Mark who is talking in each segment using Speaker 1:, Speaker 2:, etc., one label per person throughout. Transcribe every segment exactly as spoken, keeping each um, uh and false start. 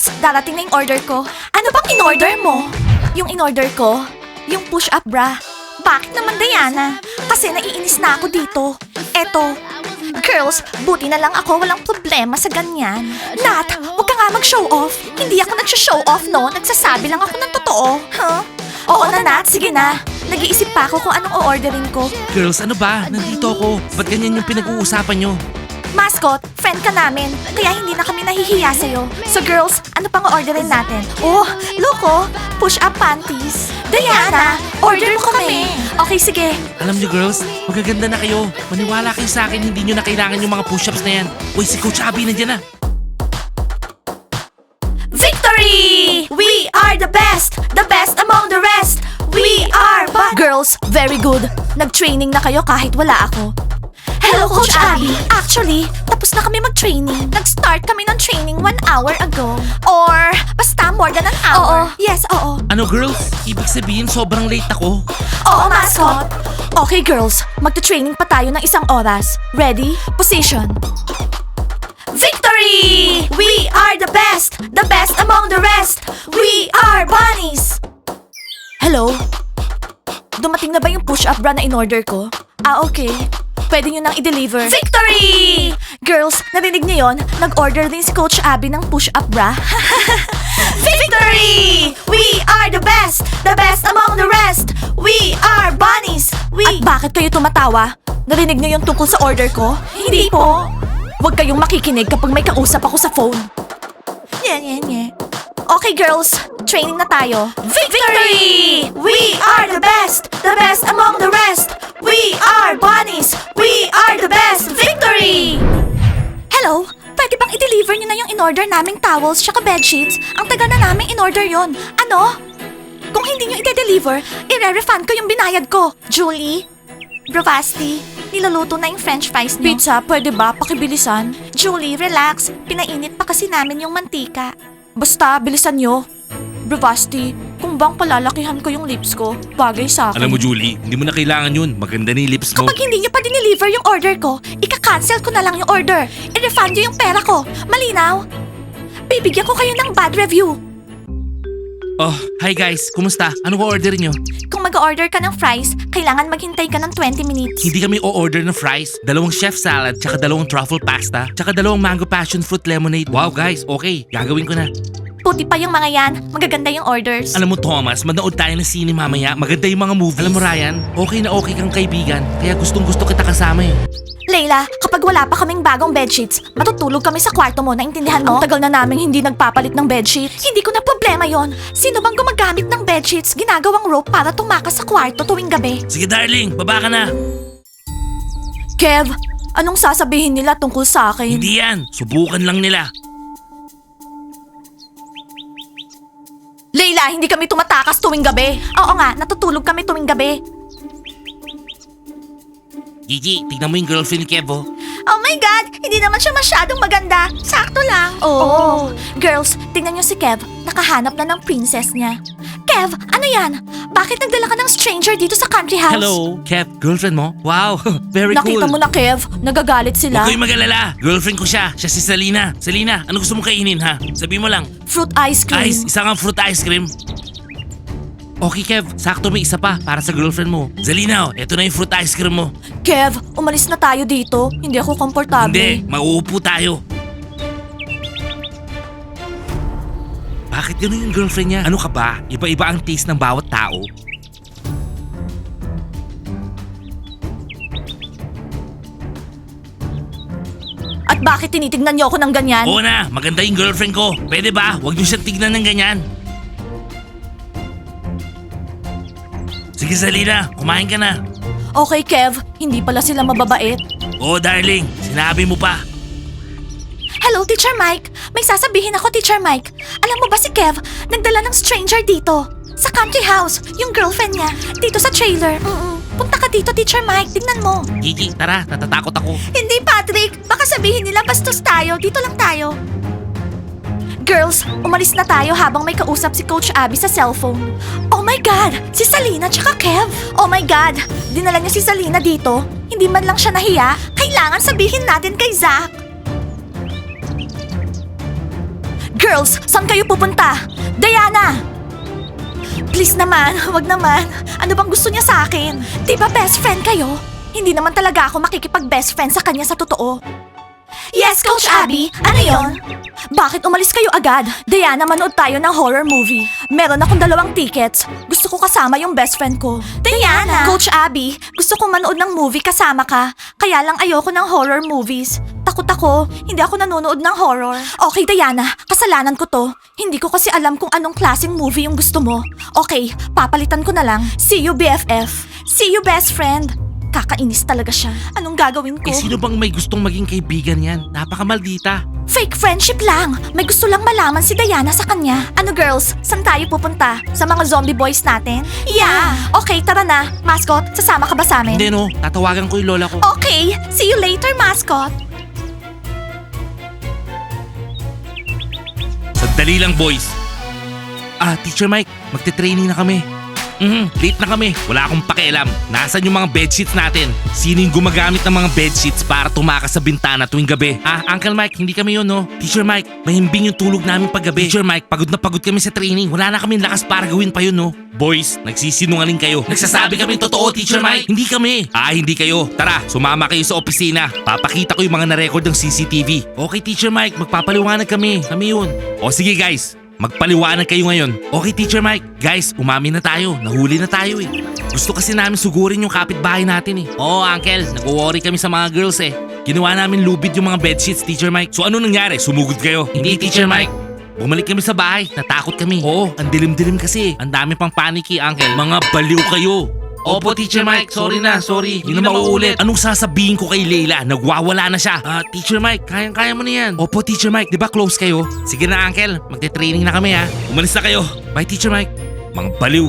Speaker 1: Girls, darating na yung order ko. Ano bang in-order mo? Yung in-order ko? Yung push-up bra. Bakit naman, Diana? Kasi naiinis na ako dito. Eto. Girls, buti na lang ako walang problema sa ganyan. Nat, huwag ka nga mag-show off. Hindi ako nag-show off, no? Nagsasabi lang ako ng totoo. Huh? Oo na, Nat. Sige na. Nag-iisip pa ako kung anong o-orderin ko.
Speaker 2: Girls, ano ba? Nandito ako. Ba't ganyan yung pinag-uusapan nyo?
Speaker 1: Mascot, friend ka namin, kaya hindi na kami nahihiya sa'yo. So girls, ano pang orderin natin? Oh, look oh, push-up panties. Diana, order mo kami. Okay, sige.
Speaker 2: Alam nyo girls, magaganda na kayo. Maniwala kayo sa akin, hindi nyo na kailangan yung mga push-ups na yan. Uy, si Coach Abby nandiyan na.
Speaker 1: Victory! We are the best! The best among the rest! We are but... Girls, very good. Nag-training na kayo kahit wala ako. Hello, Coach Abby. Actually, tapos na kami mag-training. Nag-start kami ng training one hour ago. Or, basta more than an hour. Oo. Yes, oo.
Speaker 2: Ano girls? Ibig sabihin sobrang late ako.
Speaker 1: Oo, mascot. Okay, girls. Magta-training pa tayo ng isang oras. Ready? Position. Victory! We are the best! The best among the rest! We are bunnies! Hello? Dumating na ba yung push-up bra na in-order ko? Ah, okay. Pwede nyo nang i-deliver. Victory! Girls, narinig niyo yon? Nag-order din si Coach Abby ng push-up bra. Victory! We are the best! The best among the rest! We are bunnies! We... At bakit kayo tumatawa? Narinig niyo yung tungkol sa order ko? Hindi po. Huwag kayong makikinig kapag may kausap ako sa phone. Nye, nye, nye. Okay, girls. Training na tayo. Victory! We are the best! The best among the rest! We are bunnies! We are the best! Victory! Hello? Pwede bang i-deliver niyo na yung in-order naming towels tsaka bedsheets? Ang tagal na naming in-order yon. Ano? Kung hindi niyo i-deliver, i-refund ko yung binayad ko. Julie? Bravasti, niluluto na yung french fries niyo. Pizza, pwede ba? Pakibilisan. Julie, relax. Pinainit pa kasi namin yung mantika. Basta, bilisan nyo. Bravasti, kung bang palalakihan ko yung lips ko, bagay sa akin.
Speaker 2: Alam mo Julie, hindi mo na kailangan yun. Maganda na yung lips mo.
Speaker 1: Kapag hindi nyo pa dineliver yung order ko, ika-cancel ko na lang yung order. I-refund nyo yung pera ko. Malinaw? Bibigyan ko kayo ng bad review.
Speaker 2: Oh, hi guys. Kumusta? Ano ko orderin nyo?
Speaker 1: Kung mag-order ka ng fries, kailangan maghintay ka ng twenty minutes.
Speaker 2: Hindi kami o-order ng fries. Dalawang chef salad, tsaka dalawang truffle pasta, tsaka dalawang mango passion fruit lemonade. Wow guys, okay. Gagawin ko na.
Speaker 1: Puti pa yung mga yan. Magaganda yung orders.
Speaker 2: Alam mo Thomas, manood tayo ng sine mamaya. Maganda yung mga movies. Alam mo Ryan, okay na okay kang kaibigan. Kaya gustong gusto kita kasama eh.
Speaker 1: Layla, kapag wala pa kaming bagong bedsheets, matutulog kami sa kwarto mo, naintindihan mo? Ang tagal na namin hindi nagpapalit ng bedsheets. Hindi ko na problema yon. Sino bang gumagamit ng bedsheets, ginagawang rope para tumakas sa kwarto tuwing gabi?
Speaker 2: Sige darling, baba ka na.
Speaker 1: Kev, anong sasabihin nila tungkol sa akin?
Speaker 2: Hindi yan, subukan lang nila.
Speaker 1: Layla, hindi kami tumatakas tuwing gabi. Oo nga, natutulog kami tuwing gabi.
Speaker 2: Gigi, tignan mo yung girlfriend ni Kevo.
Speaker 1: Oh my God! Hindi naman siya masyadong maganda. Sakto lang. Oh. Girls, tingnan niyo si Kev. Nakahanap na ng princess niya. Kev, ano yan? Bakit nagdala ka ng stranger dito sa country house?
Speaker 2: Hello, Kev, girlfriend mo? Wow, very
Speaker 1: Nakita
Speaker 2: cool.
Speaker 1: mo na, Kev. Nagagalit sila.
Speaker 2: Huwag kayong mag-alala. Girlfriend ko siya. Siya si Salina. Salina, ano gusto mong kainin ha? Sabi mo lang.
Speaker 1: Fruit ice cream.
Speaker 2: Ice, isa kang fruit ice cream. Okay Kev, sakto may isa pa para sa girlfriend mo. Zalina, oh, eto na yung fruit ice cream mo.
Speaker 1: Kev, umalis na tayo dito. Hindi ako komportable.
Speaker 2: Hindi, mauupo tayo. Bakit gano'n yung girlfriend niya? Ano ka ba? Iba-iba ang taste ng bawat tao.
Speaker 1: At bakit tinitignan niyo ako ng ganyan?
Speaker 2: Oo na, maganda yung girlfriend ko. Pwede ba? Huwag niyo siyang tignan ng ganyan. Sige Zalina, kumain ka na.
Speaker 1: Okay, Kev. Hindi pala sila mababait.
Speaker 2: Oo darling, sinabi mo pa.
Speaker 1: Hello, Teacher Mike. May sasabihin ako, Teacher Mike. Alam mo ba si Kev, nagdala ng stranger dito. Sa country house, yung girlfriend niya, dito sa trailer. Mm-mm. Punta ka dito, Teacher Mike. Tingnan mo.
Speaker 2: Gigi, tara, natatakot ako.
Speaker 1: Hindi, Patrick. Baka sabihin nila bastos tayo. Dito lang tayo. Girls, umalis na tayo habang may kausap si Coach Abby sa cellphone. Oh my God! Si Salina tsaka Kev! Oh my God! Dinala niya si Salina dito. Hindi man lang siya nahiya. Kailangan sabihin natin kay Zach. Girls, saan kayo pupunta? Diana! Please naman, wag naman. Ano bang gusto niya sa akin? Di ba best friend kayo? Hindi naman talaga ako makikipag-best friend sa kanya sa totoo. Yes, Coach Abby. Ano yon? Bakit umalis kayo agad? Diana, manood tayo ng horror movie. Meron akong dalawang tickets. Gusto ko kasama yung best friend ko. Diana! Coach Abby, gusto kong manood ng movie kasama ka. Kaya lang ayoko ng horror movies. Takot ako. Hindi ako nanonood ng horror. Okay, Diana. Kasalanan ko to. Hindi ko kasi alam kung anong klaseng movie yung gusto mo. Okay, papalitan ko na lang. See you, B F F. See you, best friend. Kakainis talaga siya. Anong gagawin ko?
Speaker 2: Eh sino bang may gustong maging kaibigan yan? Napakamaldita.
Speaker 1: Fake friendship lang. May gusto lang malaman si Diana sa kanya. Ano girls, saan tayo pupunta? Sa mga zombie boys natin? Yeah! Okay, tara na. Mascot, sasama ka ba sa amin?
Speaker 2: Hindi no, tatawagan ko yung lola ko.
Speaker 1: Okay, see you later, mascot.
Speaker 2: Sandali lang boys. Ah, Teacher Mike, magte-training na kami. Mhm, late na kami. Wala akong pakialam. Nasaan yung mga bedsheets natin? Sino yung gumagamit ng mga bedsheets para tumakas sa bintana tuwing gabi? Ah, Uncle Mike, hindi kami yun, no? Teacher Mike, mahimbing yung tulog namin paggabi. Teacher Mike, pagod na pagod kami sa training. Wala na kami lakas para gawin pa yun, no? Boys, nagsisinungaling kayo. Nagsasabi kami totoo, Teacher Mike. Hindi kami. Ah, hindi kayo. Tara, sumama kayo sa opisina. Papakita ko yung mga na-record ng C C T V. Okay, Teacher Mike, magpapaliwanag kami. Kami yun. O sige guys, magpaliwanag kayo ngayon. Okay, Teacher Mike. Guys, umamin na tayo. Nahuli na tayo eh. Gusto kasi namin sugurin yung kapitbahay natin eh. Oo, Uncle. Nag-worry kami sa mga girls eh. Ginawa namin lubid yung mga bedsheets, Teacher Mike. So ano nangyari? Sumugod kayo? Hindi, Teacher Mike. Bumalik kami sa bahay. Natakot kami. Oo, ang dilim-dilim kasi. Ang dami pang paniki, Uncle. Mga baliw kayo. Opo, Teacher Mike. Sorry na, sorry. Hindi na mauulit. Anong sasabihin ko kay Leila? Nagwawala na siya. Ah, Teacher Mike, kayang-kaya mo na yan. Opo, Teacher Mike. Di ba close kayo? Sige na, Uncle. Magte-training na kami, ha. Umalis na kayo. Bye, Teacher Mike. Mga baliw.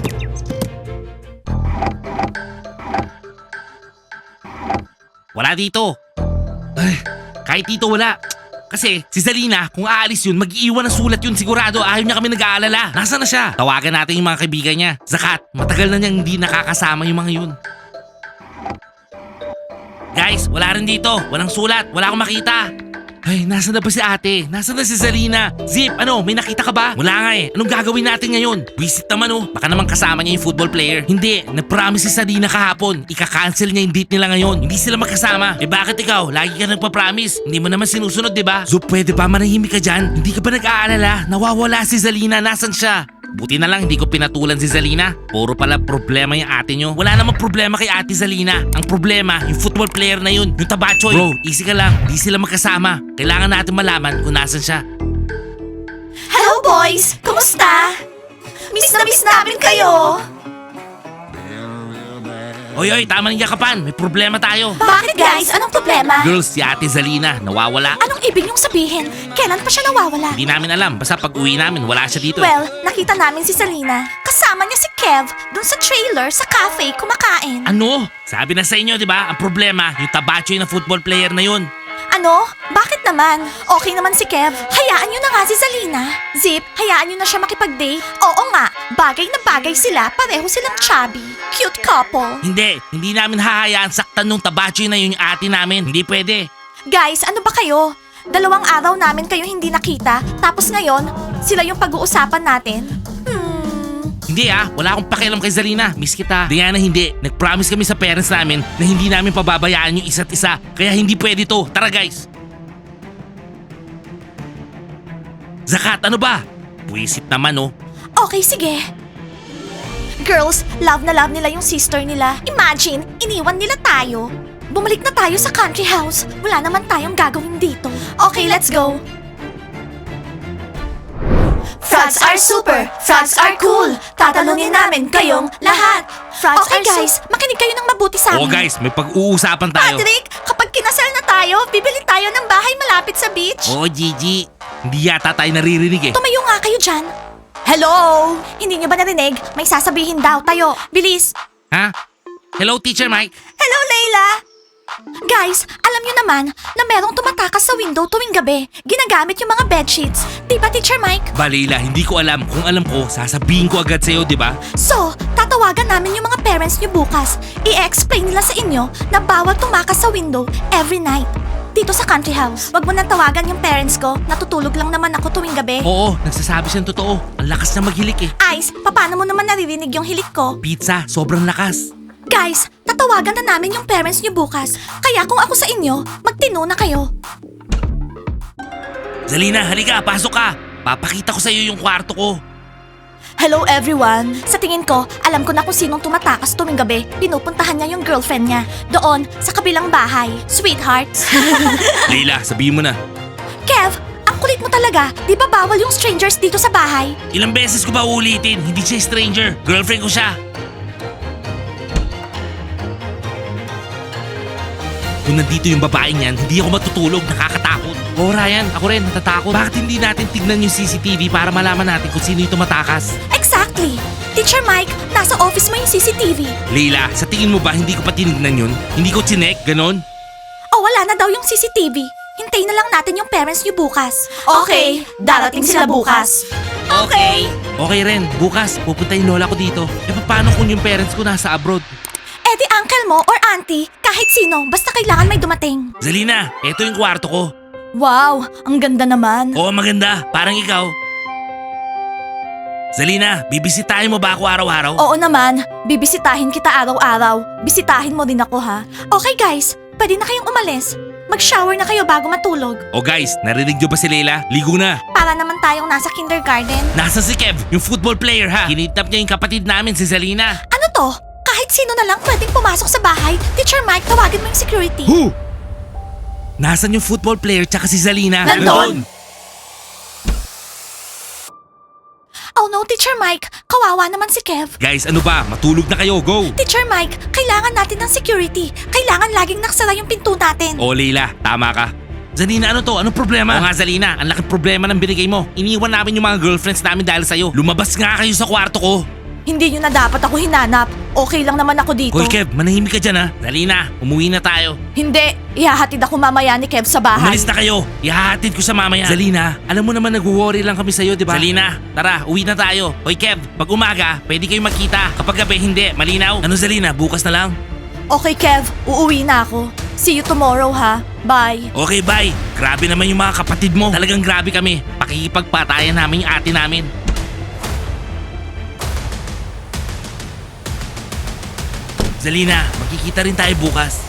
Speaker 2: Wala dito. Ay, kahit dito wala. Kasi si Zalina, kung aalis yun, mag-iiwan ng sulat yun sigurado. Ayaw niya kami nag-aalala. Nasaan na siya? Tawagan natin yung mga kaibigan niya. Zakat, matagal na niyang hindi nakakasama yung mga yun. Guys, wala rin dito. Walang sulat. Wala akong makita. Ay, nasaan na ba si ate? Nasaan na si Zalina? Zip, ano, may nakita ka ba? Wala nga eh. Anong gagawin natin ngayon? Visit naman oh. Baka naman kasama niya yung football player. Hindi, nag-promise si Zalina kahapon. Ika-cancel niya yung date nila ngayon. Hindi sila magkasama. Eh bakit ikaw? Lagi ka nagpa-promise. Hindi mo naman sinusunod, di ba? Zup, pwede ba manahimik ka dyan? Hindi ka ba nag-aalala? Nawawala si Zalina. Nasaan siya? Buti na lang hindi ko pinatulan si Zalina. Puro pala problema yung ate nyo. Wala namang problema kay ate Zalina. Ang problema, yung football player na yun. Yung tabachoy. Bro, easy ka lang. Di sila magkasama. Kailangan natin malaman kung nasan siya.
Speaker 1: Hello boys! Kumusta? Miss na miss namin kayo!
Speaker 2: Oy, oy, tama ng yakapan. May problema tayo.
Speaker 1: Bakit guys? Anong problema?
Speaker 2: Girls, si ate Zalina, nawawala.
Speaker 1: Anong ibig niyong sabihin? Kailan pa siya nawawala?
Speaker 2: Hindi namin alam. Basta pag uwi namin, wala siya dito.
Speaker 1: Well, nakita namin si Salina. Kasama niya si Kev dun sa trailer sa cafe kumakain.
Speaker 2: Ano? Sabi na sa inyo, di ba? Ang problema, yung tabachoy na football player na yun.
Speaker 1: Ano? Bakit naman? Okay naman si Kev. Hayaan niyo na nga si Salina. Zip, hayaan niyo na siya makipag-date. Oo nga, bagay na bagay sila. Pareho silang chubby. Cute couple.
Speaker 2: Hindi, hindi namin hahayaan saktan nung tabachoy na yun yung ate namin. Hindi pwede.
Speaker 1: Guys, ano ba kayo? Dalawang araw namin kayo hindi nakita. Tapos ngayon, sila yung pag-uusapan natin. Hmm...
Speaker 2: Hindi ah, wala akong pakialam kay Zalina. Miss kita. Diana, hindi. Nag-promise kami sa parents namin na hindi namin pababayaan yung isa't isa. Kaya hindi pwede to. Tara guys. Zakat, ano ba? Buwisit naman oh.
Speaker 1: Okay, sige. Girls, love na love nila yung sister nila. Imagine, iniwan nila tayo. Bumalik na tayo sa country house. Wala naman tayong gagawin dito. Okay, let's go. Frogs are super, frogs are cool. Tatalunin namin kayong lahat. Frogs okay guys, makinig kayo ng mabuti sa amin.
Speaker 2: Oo guys, may pag-uusapan tayo.
Speaker 1: Patrick, kapag kinasal na tayo, bibili tayo ng bahay malapit sa beach.
Speaker 2: Oo, Gigi. Hindi yata tayo naririnig eh.
Speaker 1: Tumayo nga kayo dyan. Hello! Hindi niyo ba narinig? May sasabihin daw tayo. Bilis!
Speaker 2: Ha? Hello, Teacher Mike.
Speaker 1: Hello, Layla! Guys, alam niyo naman na merong tumatakas sa window tuwing gabi. Ginagamit yung mga bedsheets. Di ba, Teacher Mike?
Speaker 2: Balila, hindi ko alam. Kung alam ko, sasabihin ko agad sa'yo, di ba?
Speaker 1: So, tatawagan namin yung mga parents niyo bukas. I-explain nila sa inyo na bawal tumakas sa window every night. dito sa country house. Wag mo nang tawagan yung parents ko. Natutulog lang naman ako tuwing gabi.
Speaker 2: Oo, nagsasabi siyang totoo. Ang lakas na maghilik eh.
Speaker 1: Ice, paano mo naman naririnig yung hilik ko?
Speaker 2: Pizza, sobrang lakas.
Speaker 1: Guys, tatawagan na namin yung parents niyo bukas. Kaya kung ako sa inyo, magtino na kayo.
Speaker 2: Zalina, halika, pasok ka. Papakita ko sa iyo yung kwarto ko.
Speaker 1: Hello everyone! Sa tingin ko, alam ko na kung sinong tumatakas tuwing gabi. Pinupuntahan niya yung girlfriend niya. Doon, sa kabilang bahay. Sweethearts.
Speaker 2: Leila, sabihin mo na.
Speaker 1: Kev, ang kulit mo talaga. Di ba bawal yung strangers dito sa bahay?
Speaker 2: Ilang beses ko ba uulitin? Hindi siya stranger. Girlfriend ko siya. Kung nandito yung babaeng yan, hindi ako matutulog. Nakakatakot. Oo, Ryan, ako rin, natatakot. Bakit hindi natin tignan yung C C T V para malaman natin kung sino yung tumatakas?
Speaker 1: Exactly! Teacher Mike, nasa office mo yung C C T V.
Speaker 2: Leila, sa tingin mo ba hindi ko pa tinignan yun? Hindi ko chinek, ganon?
Speaker 1: O wala na daw yung C C T V. Hintayin na lang natin yung parents niyo bukas. Okay, darating sila bukas. Okay.
Speaker 2: Okay rin, bukas, pupunta yung lola ko dito. E paano kung yung parents ko nasa abroad?
Speaker 1: Eh di uncle mo or auntie, kahit sino, basta kailangan may dumating.
Speaker 2: Zalina, eto yung kwarto ko.
Speaker 1: Wow, ang ganda naman.
Speaker 2: Oo, maganda. Parang ikaw. Zalina, bibisitahin mo ba ako araw-araw?
Speaker 1: Oo naman, bibisitahin kita araw-araw. Bisitahin mo din ako ha. Okay guys, pwede na kayong umalis. Mag-shower na kayo bago matulog.
Speaker 2: O guys, narinig nyo ba si Leila? Ligo na.
Speaker 1: Para naman tayong nasa kindergarten.
Speaker 2: Nasa si Kev, yung football player ha. Kinidnap niya yung kapatid namin, si Zalina.
Speaker 1: Ano to? Kahit sino na lang pwedeng pumasok sa bahay. Teacher Mike, tawagin mo yung security.
Speaker 2: Who? Nasaan yung football player tsaka si Zalina?
Speaker 1: Nandun! Oh no, Teacher Mike, kawawa naman si Kev.
Speaker 2: Guys, ano ba? Matulog na kayo, go!
Speaker 1: Teacher Mike, kailangan natin ng security. Kailangan laging nakasara yung pinto natin.
Speaker 2: O Leila, tama ka. Zalina, ano to? Anong problema? Oo nga, Zalina, ang laking problema ng binigay mo. Iniwan namin yung mga girlfriends namin dahil sa'yo. Lumabas nga kayo sa kwarto ko.
Speaker 1: Hindi nyo na dapat ako hinanap. Okay lang naman ako dito.
Speaker 2: Hoy Kev, manahimik ka dyan ha. Zalina, umuwi na tayo.
Speaker 1: Hindi, ihahatid ako mamaya ni Kev sa bahay.
Speaker 2: Umalis na kayo. Ihahatid ko sa mamaya. Zalina, alam mo naman nag-worry lang kami sa'yo, di ba? Zalina, tara, uwi na tayo. Hoy Kev, pag umaga, pwede kayo magkita. Kapag gabi, hindi. Malinaw. Ano Zalina, bukas na lang?
Speaker 1: Okay Kev, uuwi na ako. See you tomorrow ha. Bye.
Speaker 2: Okay, bye. Grabe naman yung mga kapatid mo. Talagang grabe kami. Pakikipagpatayan namin yung ate namin. Zalina, magkikita rin tayo bukas.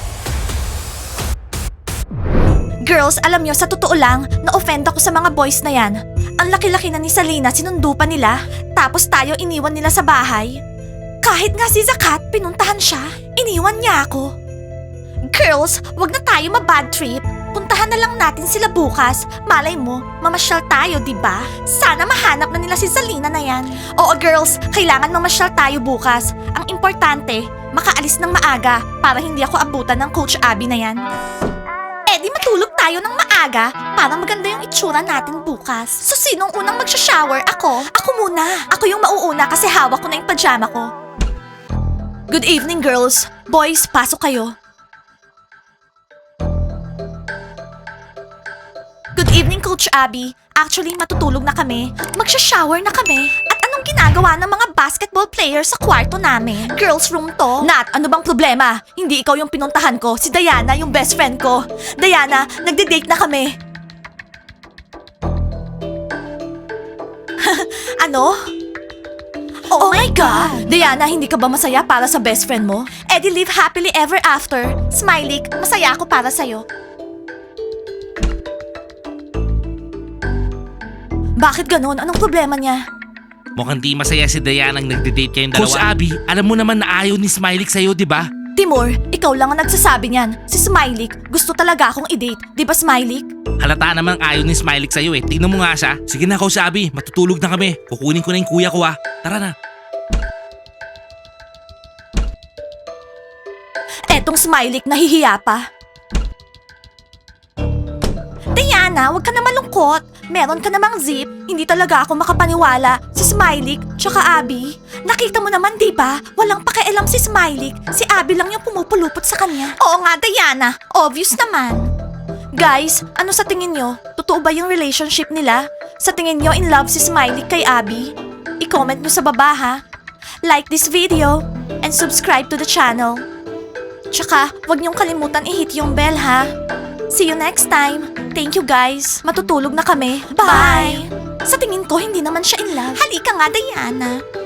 Speaker 1: Girls, alam nyo, sa totoo lang, na-offend ako sa mga boys na yan. Ang laki-laki na ni Salina, sinundo pa nila. Tapos tayo iniwan nila sa bahay. Kahit nga si Zakat, pinuntahan siya. Iniwan niya ako. Girls, wag na tayo ma-bad trip. Puntahan na lang natin sila bukas. Malay mo, mamasyal tayo, di ba? Sana mahanap na nila si Salina na yan. Oo girls, kailangan mamasyal tayo bukas. Ang importante, makaalis ng maaga para hindi ako abutan ng Coach Abby na yan. Eh di matulog tayo ng maaga para maganda yung itsura natin bukas. So sinong unang magsha-shower? Ako? Ako muna. Ako yung mauuna kasi hawak ko na yung pajama ko. Good evening girls. Boys, pasok kayo. Good evening, Coach Abby. Actually, matutulog na kami. Magsha-shower na kami. At anong ginagawa ng mga basketball players sa kwarto namin? Girls' room to? Nat, ano bang problema? Hindi ikaw yung pinuntahan ko. Si Diana, yung best friend ko. Diana, nagde-date na kami. Ano? Oh, my God! Diana, hindi ka ba masaya para sa best friend mo? Eh di live happily ever after. Smiley, masaya ako para sa'yo. Bakit ganon? Anong problema niya?
Speaker 2: Mukhang di masaya si Diana ang nagde-date kayong dalawa. Coach Abby, alam mo naman na ayaw ni Smiley sa'yo, di ba?
Speaker 1: Timur, ikaw lang ang nagsasabi niyan. Si Smiley, gusto talaga akong i-date. Di ba Smiley?
Speaker 2: Halata namang ayaw ni Smiley sa'yo eh. Tingnan mo nga siya. Sige na, Coach Abby, matutulog na kami. Kukunin ko na yung kuya ko ah. Tara na.
Speaker 1: Etong Smiley, nahihiya pa. Diana, huwag ka na malungkot. Meron ka namang zip. Hindi talaga ako makapaniwala. Si Smiley, tsaka Abby. Nakita mo naman, di ba? Walang pakialam si Smiley. Si Abby lang yung pumupulupot sa kanya. Oo nga, Diana. Obvious naman. Guys, ano sa tingin nyo? Totoo ba yung relationship nila? Sa tingin nyo, in love si Smiley kay Abby? I-comment nyo sa baba, ha? Like this video and subscribe to the channel. Tsaka, huwag nyong kalimutan i-hit yung bell, ha? See you next time. Thank you guys. Matutulog na kami. Bye. Sa tingin ko, hindi naman siya in love. Halika nga, Diana.